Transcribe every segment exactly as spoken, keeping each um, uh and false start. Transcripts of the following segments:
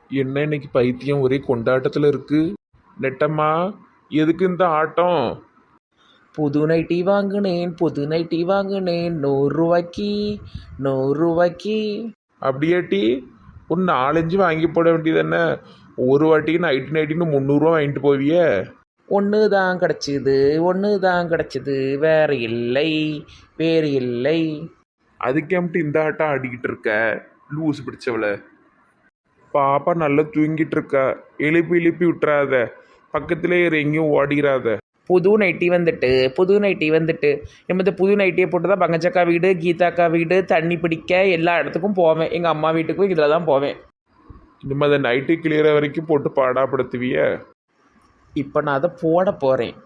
என்ன இன்னைக்கு பைத்தியம் ஒரே கொண்டாட்டத்தில் இருக்கு. நெட்டம்மா, எதுக்கு இந்த ஆட்டம்? புது நைட்டி வாங்கினேன் புது நைட்டி வாங்கினேன் நூறுரூவாய்க்கு நூறுரூவாய்க்கு. அப்படியாட்டி ஒரு நாலஞ்சு வாங்கி போட வேண்டியது என்ன? ஒரு வாட்டிக்கு நைட்டு நைட்டின்னு முந்நூறுரூவா வாங்கிட்டு போவியே. ஒன்று தான் கிடச்சிது ஒன்று தான் கிடச்சிது வேற இல்லை வேறு இல்லை. அதுக்கேம்ட்டு இந்த ஆட்டம் ஆடிக்கிட்டு இருக்க லூஸ் பிடிச்சவள? பாப்பா நல்லா தூங்கிட்டு இருக்கா, எழுப்பி எழுப்பி விட்டுறாத, பக்கத்திலே இரு, எங்கேயும் ஓடிராத. புது நைட்டி வந்துட்டு புது நைட்டி வந்துட்டு நம்ம இந்த புது நைட்டியை போட்டு தான் பங்கச்சக்கா வீடு கீதாக்கா வீடு தண்ணி பிடிக்க எல்லா இடத்துக்கும் போவேன். எங்கள் அம்மா வீட்டுக்கும் இதில் தான் போவேன். இனிமே அதை நைட்டு கிளியற வரைக்கும் போட்டு பாடாப்படுத்துவிய. இப்போ நான் அதை போட போகிறேன்.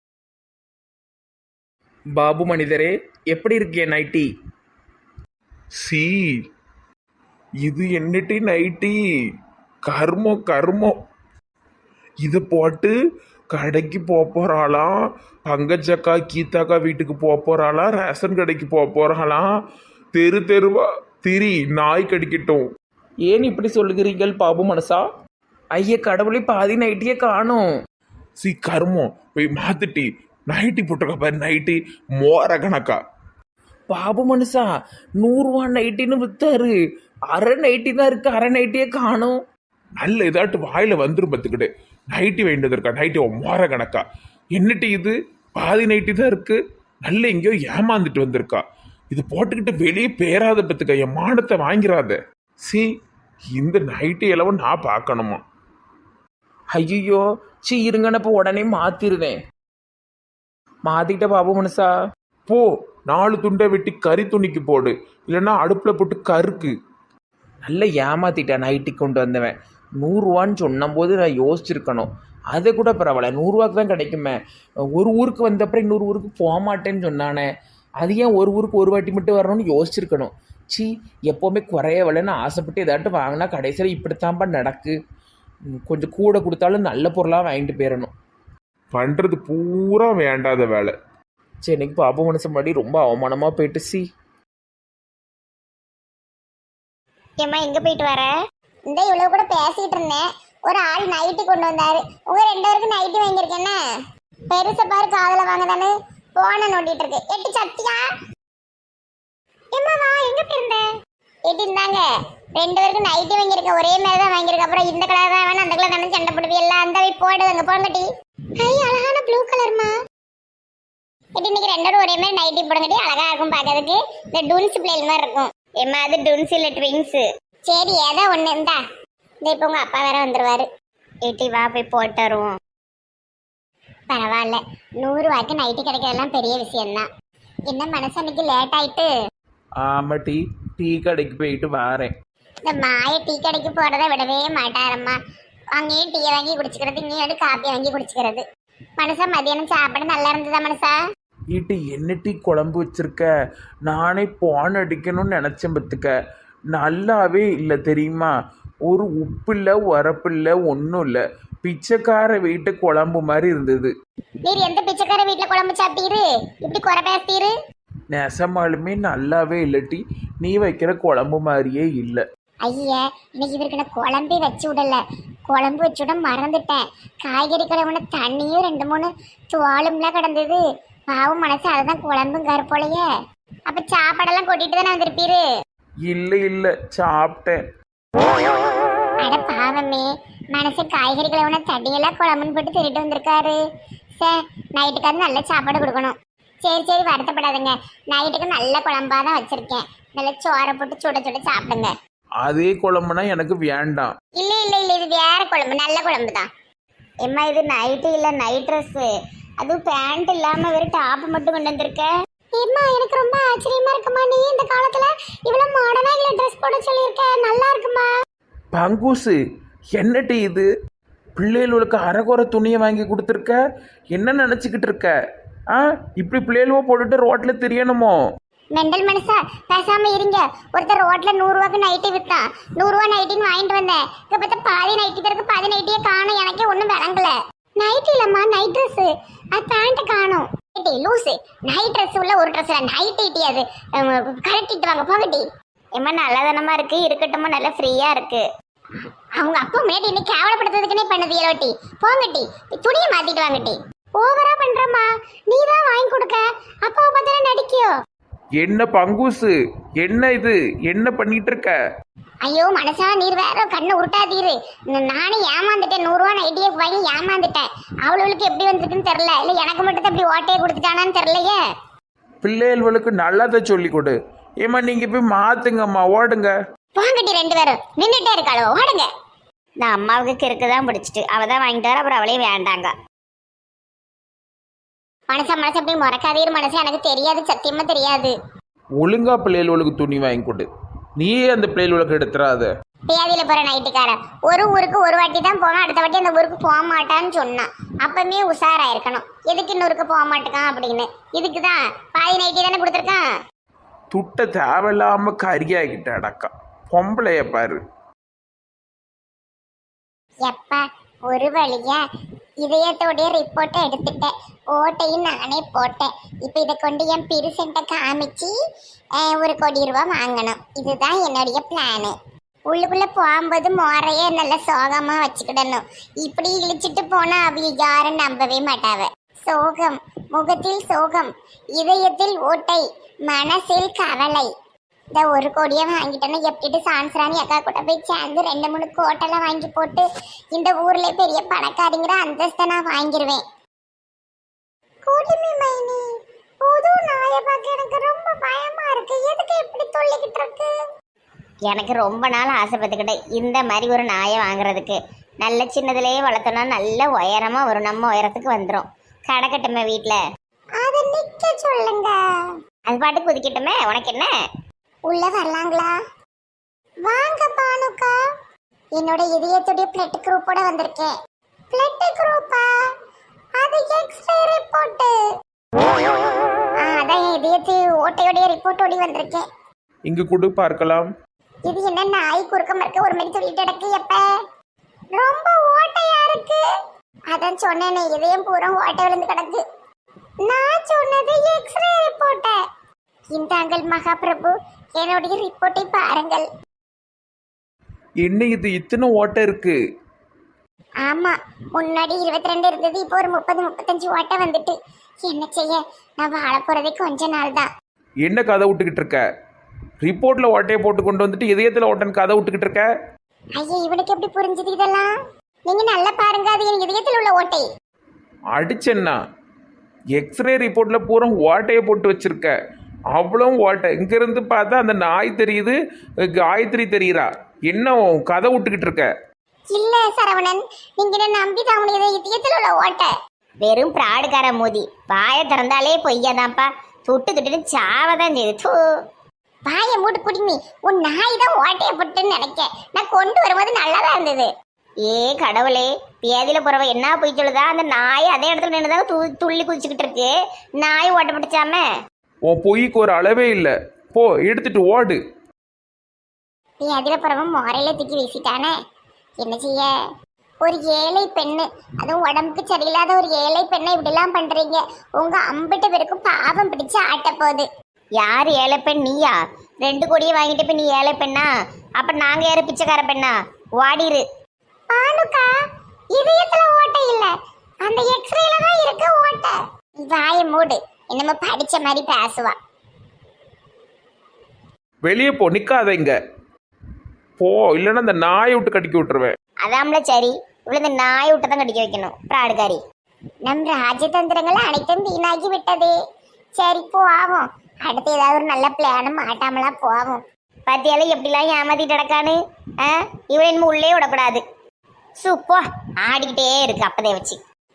பாபு மனிதரே, எப்படி இருக்கே நைட்டி? சி, இது என்னட்டி நைட்டி? கர்மம் கர்மம். இதை போட்டு கடைக்கு போக போகிறாளாம், பங்கச்சக்கா கீதாக்கா வீட்டுக்கு போக போகிறாளாம், ரேஷன் கடைக்கு போக போகிறாளாம். தெரு தெருவா திரி, நாய் கடிக்கட்டும். ஏன் இப்படி சொல்லுகிறீர்கள் பாபு மனசா? ஐய கடவுளை, பாதி நைட்டியே காணும். சி கர்மம், போய் மாத்துட்டி. நைட்டி போட்டிருக்கா பாரு, நைட்டி மோர கணக்கா. பாபு மனுஷா, நூறுரூவா நைட்டின்னு வித்தாரு, அரை நைட்டி தான் இருக்கு, அரை நைட்டியே காணும். நல்ல இதாட்டு வாயில வந்துரும் பத்துக்கிட்டு. நைட்டி வேண்டியது இருக்கா, நைட்டி மோர கணக்கா. என்னட்டி இது, பாதி நைட்டி தான் இருக்கு. நல்ல எங்கேயோ ஏமாந்துட்டு வந்திருக்கா. இது போட்டுக்கிட்டு வெளியே பேராத பத்துக்க, என் மானத்தை வாங்கிறாத. சி, இந்த நைட்டி எல்லாம் நான் பார்க்கணுமா? ஐயோ சி, இருங்கன்னு இப்போ உடனே மாத்திருவேன். மாத்திட்ட பாபு மனுஷா. போ, நாலு துண்டை வெட்டி கறி துணிக்கு போடு, இல்லைன்னா அடுப்புல போட்டு கருக்கு. நல்ல ஏமாத்திட்டேன். நைட்டி கொண்டு வந்தவன் நூறுரூவான்னு சொன்னபோது நான் யோசிச்சிருக்கணும். அதை கூட பரவாயில்ல, நூறுரூவாக்கு தான் கிடைக்குமே. ஒரு ஊருக்கு வந்தப்பறம் இன்னொரு ஊருக்கு போக மாட்டேன்னு சொன்னானே, அது ஏன் ஒரு ஊருக்கு ஒரு வாட்டி மட்டும் வரணும்னு யோசிச்சிருக்கணும். சி, எப்போவுமே குறைய விலைன்னு ஆசைப்பட்டு ஏதாட்டும் வாங்கினா கடைசியில் இப்படித்தான்ப்பா நடக்கு. கொஞ்சம் கூட கொடுத்தாலும் நல்ல பொருளாக வாங்கிட்டு போயிடணும். பண்றது பூரா வேண்டாத வேலை. சரி, இன்னைக்கு பாபு மனசு முன்னாடி ரொம்ப அவமானமாக போயிட்டு. சி, ஏம்மா எங்க போயிட்டு வர? இந்த இவ்வளவு கூட பேசிட்டு இருந்தேன், ஒரு ஆள் நைட்டி கொண்டு வந்தாரு. உங்க ரெண்டு பேருக்கு நைட்டி வாங்கியிருக்கேன்னு பெருச பாரு, காதல வாங்கதானு போன நோண்டிட்டு இருக்கு. எட்டு சத்தியா ஏம்மா வா, எங்க போயிருந்த? எட்டு இருந்தாங்க, ரெண்டு பேருக்கு நைட்டி வாங்கியிருக்கேன், ஒரே மாதிரி தான் வாங்கியிருக்கேன். அப்புறம் இந்த கலர் தான் வேணும், அந்த கலர் தானே சண்டை போடுவி எல்லாம், அந்த போய் போடுவாங்க போங்கட்டி. ஐ அழகான ப்ளூ கலர்மா. எட்டு இன்னைக்கு ரெண்டோட ஒரே மாதிரி நைட்டி போடுங்கட்டி, அழகா இருக்கும் பார்க்கறதுக்கு. இந்த டூன்ஸ் பிளேல் மாதிரி இருக்கும். ஏம்மா அது டுன்ஸ் இல்ல ட்விங்ஸ். சரி ஏதோ ஒண்ணு இருந்தா. இந்த இப்போ உங்க அப்பா வேற வந்துருவாரு. ஏட்டி வா போய் போட்டு வருவோம். பரவாயில்ல, நூறு ரூபாய்க்கு நைட்டு கிடைக்கிறதெல்லாம் பெரிய விஷயம்தான். என்ன மனசு அன்னைக்கு லேட் ஆயிட்டு? ஆமா டீ டீ கடைக்கு போயிட்டு வாரேன். இந்த மாய டீ கடைக்கு போறதை விடவே மாட்டாரம்மா. அங்கேயும் டீயை வாங்கி குடிச்சுக்கிறது, இங்கேயும் காப்பி வாங்கி குடிச்சுக்கிறது. மனசா மதியானம் சாப்பாடு நல்லா இருந்ததா மனசா? ஈட்டு என்ன டீ குழம்பு வச்சிருக்க? நானே பான் அடிக்கணும்னு நினச்சேன் பத்துக்க, நல்லாவே இல்லை தெரியுமா. ஒரு உப்பு இல்லை உரப்பு இல்லை ஒன்றும் இல்லை, பிச்சைக்கார வீட்டு குழம்பு மாதிரி இருந்தது. நீர் எந்த பிச்சைக்கார வீட்டுல குழம்பு சாப்பிட்டீரு? இப்படி குறை பேசிட்டீரு? நெசமாலுமே நல்லாவே இல்லை டீ, நீ வைக்கிற குழம்பு மாதிரியே இல்லை. ஐயா, இன்னைக்கு இவருக்கு நான் குழம்பே வச்சு விடல. குழம்பு வச்சு விட மறந்துட்டேன். காய்கறி கழுவுன தண்ணியும் ரெண்டு மூணு துவாலும்லாம் கிடந்தது. பாவம் மனசு, அதுதான் குழம்பும் கருப்போலையே. அப்ப சாப்பாடெல்லாம் கொட்டிட்டு தானே வந்திருப்பீரு? இல்லை இல்லை, சாப்பிட்டேன். அட பாவமே, மனசு காய்கறி கழுவுன தண்ணியெல்லாம் குழம்புன்னு போட்டு திருட்டு வந்திருக்காரு. சார், நைட்டுக்காவது நல்ல சாப்பாடு கொடுக்கணும். சரி சரி, வருத்தப்படாதுங்க. நைட்டுக்கு நல்ல குழம்பா தான் வச்சிருக்கேன். நல்ல சோறை போட்டு சுட சுட சாப்பிடுங்க. அதே குழம்புனா எனக்கு வேண்டாம். இல்ல இல்ல இல்ல, இது வேற குழம்பு, நல்ல குழம்பு தான். எம்மா இது நைட்டு இல்ல, நைட் ட்ரெஸ். அதுவும் பேண்ட் இல்லாம வெறும் டாப் மட்டும் கொண்டு வந்திருக்க. ஏம்மா எனக்கு ரொம்ப ஆச்சரியமா இருக்குமா, நீ இந்த காலத்துல இவ்வளவு மாடர்னா இல்ல ட்ரெஸ் போட சொல்லியிருக்க. நல்லா இருக்குமா? பங்கூசு, என்ன டீ இது? பிள்ளைகளுக்கு அரைகுறை துணியை வாங்கி கொடுத்துருக்க, என்ன நினச்சிக்கிட்டு இருக்க? ஆ, இப்படி பிள்ளைகளுவோ போட்டுட்டு ரோட்டில் தெரியணுமோ? மெண்டல் மனுஷா, பேசாம இருங்க. ஒருத்தர் ரோட்ல நூறு ரூபாய்க்கு நைட்டி வித்தான். நூறு ரூபா நைட்டின்னு வாங்கிட்டு வந்தேன். இங்க பார்த்தா பாதி நைட்டி தருக்கு, பாதி நைட்டியே காணும். எனக்கே ஒன்றும் விளங்கல. நைட்டி இல்லம்மா, நைட் ட்ரெஸ். அது பேண்ட் காணும். லூசு, நைட் ட்ரெஸ் உள்ள ஒரு ட்ரெஸ் நைட் ஐட்டி, அது கரெக்டிட்டு வாங்க போகட்டி. ஏமா நல்லதானமா இருக்கு, இருக்கட்டுமா, நல்லா ஃப்ரீயா இருக்கு. அவங்க அப்பா முன்னாடி இன்னைக்கு கேவலப்படுத்துறதுக்குன்னே பண்ணது இலவட்டி. போங்கட்டி துணியை மாத்திட்டு வாங்கட்டி. ஓவரா பண்றமா, நீ தான் வாங்கி கொடுக்க, அப்பாவை பார்த்தா நடிக்கியோ. என்ன பங்கூசு, என்ன இது, என்ன பண்ணிட்டு இருக்க? ஐயோ மனசா, நீர் வேற கண்ணை உருட்டாதீரு. நானே ஏமாந்துட்டேன், நூறுரூவா நைட்டியே வாங்கி ஏமாந்துட்டேன். அவளுக்கு எப்படி வந்திருக்குன்னு தெரியல, இல்லை எனக்கு மட்டும் தான் இப்படி ஓட்டையை கொடுத்துட்டானான்னு தெரியலையே. பிள்ளைகளுக்கு நல்லதை சொல்லி கொடு. ஏமா நீங்க போய் மாத்துங்கம்மா, ஓடுங்க. வாங்கட்டி ரெண்டு பேரும் நின்றுட்டே இருக்காளோ, ஓடுங்க. நான் அம்மாவுக்கு கிறுக்கு தான் பிடிச்சிட்டு அவ தான் வாங்கிட்டு வர, அப்புறம் அவளையும் வேண்டாங்க. மனசா மனசு அப்படி முறக்காதீர் மனசு, எனக்கு தெரியாது, சத்தியமா தெரியாது. ஒழுங்கா பிள்ளைகளுக்கு துணி வாங்கி கொடு. நீயே அந்த பிள்ளைகளுக்கு எடுத்துறாத. பேதியில போற நைட்டுக்காரன் ஒரு ஊருக்கு ஒரு வாட்டி தான் போவான், அடுத்த வாட்டி அந்த ஊருக்கு போக மாட்டான்னு சொன்னான். அப்பமே உஷாராயிருக்கணும், எதுக்கு இன்னொருக்கு போக மாட்டேக்கான் அப்படின்னு. இதுக்குதான் பாதி நைட்டி தானே கொடுத்துருக்கான். துட்ட தேவையில்லாம கரியாகிட்ட அடக்கா. பொம்பளைய பாரு. எப்பா ஒரு வழியா இதயத்தோடைய ரிப்போர்ட்டை எடுத்துட்டேன், ஓட்டையும் நானே போட்டேன். இப்போ இதை கொண்டு என் பிரிசென்ட்டை காமிச்சு ஒரு கோடி ரூபா வாங்கணும். இதுதான் என்னுடைய பிளானு. உள்ளுக்குள்ள போகும்போது மோரையே நல்ல சோகமா வச்சுக்கிடணும். இப்படி இழிச்சிட்டு போனா அவ யாரும் நம்பவே மாட்டாவ. சோகம், முகத்தில் சோகம், இதயத்தில் ஓட்டை, மனசில் கவலை. இந்த ஒரு கோடியை வாங்கிட்டேன்னா எப்படி சான்ஸ்ராணி அக்கா கூட போய் சேர்ந்து ரெண்டு மூணு கோட்டெல்லாம் வாங்கி போட்டு இந்த ஊர்ல பெரிய பணக்காரிங்கிற அந்தஸ்தை நான் வாங்கிடுவேன். குடிமி மைனி, புது நாயை பார்க்க எனக்கு ரொம்ப பயமா இருக்கு. எதுக்கு இப்படி சொல்லிக்கிட்டு இருக்கு? எனக்கு ரொம்ப நாள் ஆசைப்பட்டுக்கிட்டேன் இந்த மாதிரி ஒரு நாயை வாங்குறதுக்கு. நல்ல சின்னதுலேயே வளர்த்தோம்னா நல்ல உயரமா ஒரு நம்ம உயரத்துக்கு வந்துடும். கடக்கட்டுமே வீட்டில், அதை நிக்க சொல்லுங்க. அது பாட்டு குதிக்கட்டுமே, உனக்கு என்ன? உள்ள வரலாங்களா? வாங்க பானுக்கா. என்னோட இதயத்துடைய பிளட் குரூப்போட வந்திருக்கேன். பிளட் குரூப்பா? அது எக்ஸ்ரே ரிப்போர்ட். அதான் இதயத்து ஓட்டையோடைய ரிப்போர்ட் ஓடி வந்திருக்கேன். இங்கு கொடு பார்க்கலாம். இது என்ன நாய் குறுக்க மறுக்க ஒரு மாதிரி சொல்லிட்டு கிடக்கு. எப்ப ரொம்ப ஓட்டையா இருக்கு. அதான் சொன்னேனே, இதயம் பூரா ஓட்டை விழுந்து கிடக்கு. நான் சொன்னது எக்ஸ்ரே ரிப்போர்ட்ட. இந்தாங்கள் மகாபிரபு, என்னுடைய ரிப்போர்ட்டை பாருங்கள். என்ன இது, இத்தனை ஓட்டை இருக்கு? ஆமா, முன்னாடி இருபத்தி ரெண்டு இருந்தது, இப்போ ஒரு முப்பது முப்பத்தஞ்சு ஓட்டை வந்துட்டு. என்ன செய்ய, நான் வாழ போறதே கொஞ்ச நாள் தான். என்ன கதை விட்டுக்கிட்டு இருக்க? ரிப்போர்ட்ல ஓட்டையை போட்டு கொண்டு வந்துட்டு இதயத்துல ஓட்டன் கதை விட்டுக்கிட்டு இருக்க? ஐயா, இவனுக்கு எப்படி புரிஞ்சுது இதெல்லாம்? நீங்க நல்லா பாருங்க, அது என் இதயத்தில் உள்ள ஓட்டை. அடிச்சேன்னா எக்ஸ்ரே ரிப்போர்ட்ல பூரா ஓட்டையை போட்டு வச்சிருக்க. அவ்வளோ ஓட்டை. இங்கிருந்து பார்த்தா அந்த நாய் தெரியுது, காயத்ரி தெரியுறா. என்ன கதை விட்டுக்கிட்டு இருக்க? இல்ல சரவணன், நீங்க என்ன நம்பி தான் உனக்கு இதயத்தில் உள்ள ஓட்டை. வெறும் பிராடுக்கார மோதி, வாயை திறந்தாலே பொய்யாதான்ப்பா. துட்டு துட்டு சாவதான் செய்யுது. வாயை மூட்டு குடிமி, உன் நாய் தான் ஓட்டையை போட்டுன்னு நினைக்க. நான் கொண்டு வரும்போது நல்லாதான் இருந்தது. ஏ கடவுளே, பேதியில போறவ என்ன போய் சொல்லுதா? அந்த நாய் அதே இடத்துல நின்றுதான் து துள்ளி குதிச்சுக்கிட்டு இருக்கு. நாய் ஓட்ட பிடிச்சாம. உன் பொய்க்கு ஒரு அளவே இல்லை. போ, எடுத்துட்டு ஓடு. பேதியில போறவன் முறையில தூக்கி வீசிட்டானே, என்ன செய்ய? ஒரு ஏழை பெண்ணு, அதுவும் உடம்புக்கு சரியில்லாத ஒரு ஏழை பெண்ணை இப்படிலாம் பண்றீங்க. உங்க அம்பிட்டு பேருக்கும் பாவம் பிடிச்சு ஆட்ட போகுது. யார் ஏழை பெண்? நீயா? ரெண்டு கோடியை வாங்கிட்டு போய் நீ ஏழை பெண்ணா? அப்ப நாங்க யாரு பிச்சைக்கார பெண்ணா? வாடிரு. பானுக்கா, இதயத்துல ஓட்டை இல்ல, அந்த எக்ஸ்ரேல தான் இருக்க ஓட்டை. வாயை மூடு, என்னமோ படிச்ச மாதிரி பேசுவா. வெளியே போ, நிக்காத இங்க. போ, இல்லைன்னா அந்த நாயை விட்டு கடிக்க விட்டுருவேன். அதாம்ல சரி, இவ்வளவு இந்த நாயை விட்டு தான் கடிக்க வைக்கணும். பிராடுகாரி. நம் ராஜதந்திரங்களை அனைத்தும் வீணாகி விட்டது. சரி போ, ஆகும். அடுத்து ஏதாவது ஒரு நல்ல பிளானும் மாட்டாமலா போவோம். பத்தியால எப்படிலாம் ஏமாத்திட்டு கிடக்கானு. ஆ, இவன் இனிமே உள்ளே விடக்கூடாது. சூப்போ, ஆடிக்கிட்டே இருக்கு அப்பதே வச்சு.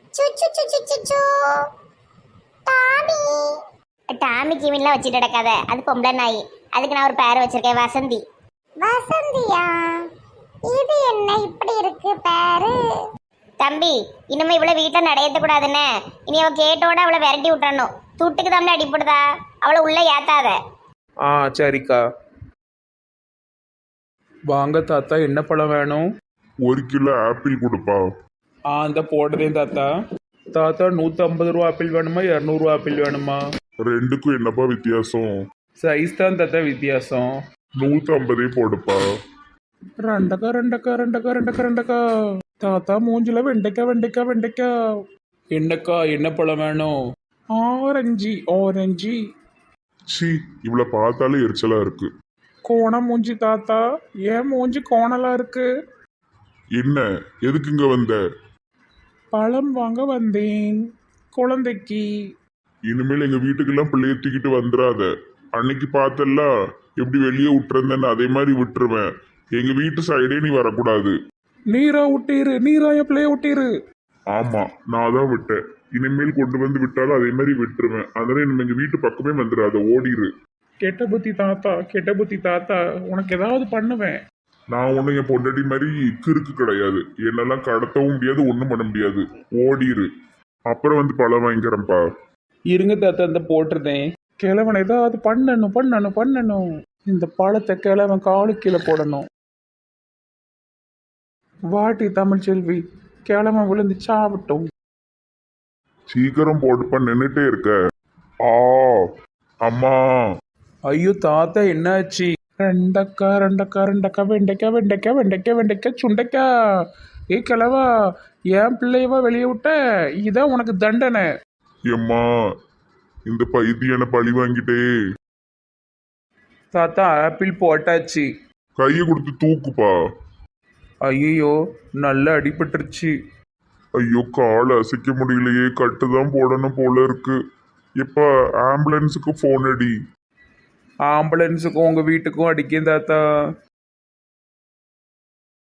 டாமி டாமி கிவின்லாம் வச்சுட்டு கிடக்காத, அது பொம்பளை நாய். அதுக்கு நான் ஒரு பேரை வச்சிருக்கேன், வசந்தி. வசந்தியா? இது என்ன இப்படி இருக்கு பேரு? தம்பி, இனிமே இவ்வளவு வீட்டுல நடையத்த கூடாதுன்னு. இனி அவ கேட்டோட அவளை விரட்டி விட்டுறணும். துட்டுக்கு தம்பி அடிப்படுதா, அவளை உள்ள ஏத்தாத. ஆ சரிக்கா. வாங்க தாத்தா, என்ன பழம் வேணும்? ஒரு கிலோ ஆப்பிள் கொடுப்பா. ஆ, அந்த போடுறேன் தாத்தா. தாத்தா, நூற்றி ஐம்பது ரூபா ஆப்பிள் வேணுமா, இரநூறுவா ஆப்பிள் வேணுமா? ரெண்டுக்கும் என்னப்பா வித்தியாசம்? சைஸ் தான் தாத்தா வித்தியாசம். நூற்றி ஐம்பதே போடுப்பா. ரெண்டக்கா ரெண்டக்கா ரெண்டக்கா ரெண்டக்கா ரெண்டக்கா தாத்தா மூஞ்சில வெண்டைக்கா வெண்டைக்கா வெண்டைக்கா. என்னக்கா என்ன பழம் வேணும்? Orange orange. சி இவளை பார்த்தாலே எரிச்சலா இருக்கு. கோணம் மூஞ்சி தாத்தா, ஏன் மூஞ்சி கோணலா இருக்கு? என்ன எதுக்கு இங்க வந்த? பழம் வாங்க வந்தேன் குழந்தைக்கு. இனிமேல் எங்க வீட்டுக்கெல்லாம் பிள்ளைய தூக்கிட்டு வந்துடாத. அன்னைக்கு பார்த்தல்ல எப்படி வெளியே விட்டுருந்தேன்னு அதே மாதிரி விட்டுருவேன். எங்க வீட்டு சைடே நீ வரக்கூடாது. நீரா விட்டீரு, நீரா என் பிள்ளைய விட்டீரு. ஆமா நான் தான் விட்டேன். இனிமேல் கொண்டு வந்து விட்டாலும் அதே மாதிரி விட்டுருவேன். அதனால இனிமே எங்க வீட்டு பக்கமே வந்துடாத, ஓடிரு. கெட்ட புத்தி தாத்தா, கெட்ட புத்தி தாத்தா, உனக்கு ஏதாவது பண்ணுவேன். நான் ஒன்றும் என் பொண்டாட்டி மாதிரி கிறுக்கு கிடையாது. என்னெல்லாம் கடத்தவும் முடியாது, ஒன்றும் பண்ண முடியாது. ஓடிரு. அப்புறம் வந்து பழம் வாங்கிக்கிறேன்ப்பா. இருங்க தாத்தா, இந்த போட்டிருந்தேன். கிழவன் ஏதாவது பண்ணணும் பண்ணணும் பண்ணணும். இந்த பழத்தை கிழவன் காலு கீழே போடணும். வாட்டி தமிழ்ச்செல்வி, கிழவன் விழுந்து சாப்பிட்டோம். சீக்கிரம் போட்டுப்பா, நின்றுட்டே இருக்க. ஆ அம்மா. ஐயோ தாத்தா என்னாச்சு? ரெண்டக்கா ரெண்டக்கா ரெண்டக்கா வெண்டைக்கா வெண்டைக்கா வெண்டைக்கா வெண்டைக்கா சுண்டைக்கா. ஏ கிழவா, என் பிள்ளையவா வெளியே விட்ட? இதான் உனக்கு தண்டனை. எம்மா இந்த பைத்தியனை பழி வாங்கிட்டே. தாத்தா ஆப்பிள் போட்டாச்சு. கையை கொடுத்து தூக்குப்பா. ஐயோ நல்லா அடிபட்டுருச்சு. ஐயோ காலை அசைக்க முடியலையே, கட்டுதான் போடணும் போல இருக்கு. இப்ப ஆம்புலன்ஸுக்கு போன் அடி. ஆம்புலன்ஸுக்கும் உங்க வீட்டுக்கும் அடிக்கேன் தாத்தா.